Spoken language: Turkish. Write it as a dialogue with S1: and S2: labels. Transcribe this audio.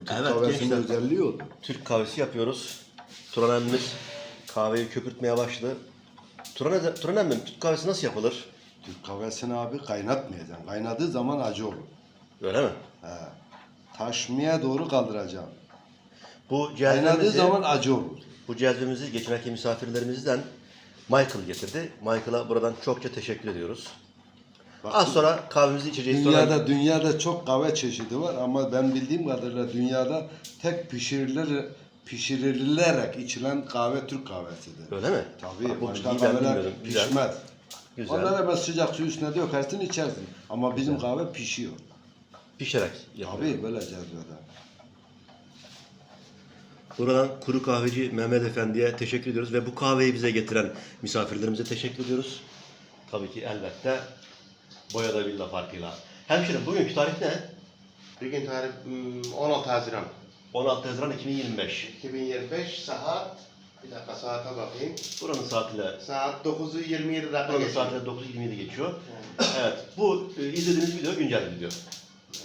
S1: Türk
S2: Evet
S1: kahvesinin
S2: gençler,
S1: özelliği o.
S2: Türk kahvesi yapıyoruz. Turan emmimiz kahveyi köpürtmeye başladı. Turan emmim, Türk kahvesi nasıl yapılır?
S1: Türk kahvesini abi kaynatmayacaksın. Kaynadığı zaman acı olur.
S2: Öyle mi?
S1: He. Taşmaya doğru kaldıracaksın.
S2: Bu
S1: Kaynadığı
S2: cezvemizi,
S1: zaman acı olur.
S2: bu cezvemizi geçenki misafirlerimizden Michael getirdi. Michael'a buradan çokça teşekkür ediyoruz.
S1: Bak,
S2: Az sonra kahvemizi içeceğiz.
S1: dünyada çok kahve çeşidi var ama ben bildiğim kadarıyla dünyada tek pişirilerek içilen kahve Türk kahvesidir.
S2: Öyle mi?
S1: Tabii.
S2: Bak, bu
S1: Başka
S2: bilgiyi ben
S1: kahveler
S2: bilmiyordum. Güzel.
S1: pişmez.
S2: Güzel.
S1: Onlara ben sıcak su üstüne dökersin içersin. Ama bizim kahve pişiyor.
S2: Pişerek yapılıyor.
S1: Tabii böyle cezvede.
S2: Buradan Kuru Kahveci Mehmet Efendi'ye teşekkür ediyoruz ve bu kahveyi bize getiren misafirlerimize teşekkür ediyoruz. Tabii ki elbette boyada villa farkıyla. Hemşerim bugünkü tarih ne?
S3: Bugün tarih 16 Haziran
S2: 16 Haziran 2025.
S3: 2025 saat, bir dakika saate bakayım.
S2: Buranın saatiyle
S3: Saat 9'u 27 dakika
S2: buranın
S3: geçiyor.
S2: saatiyle 9.27 geçiyor. Evet, bu izlediğiniz video güncel bir video.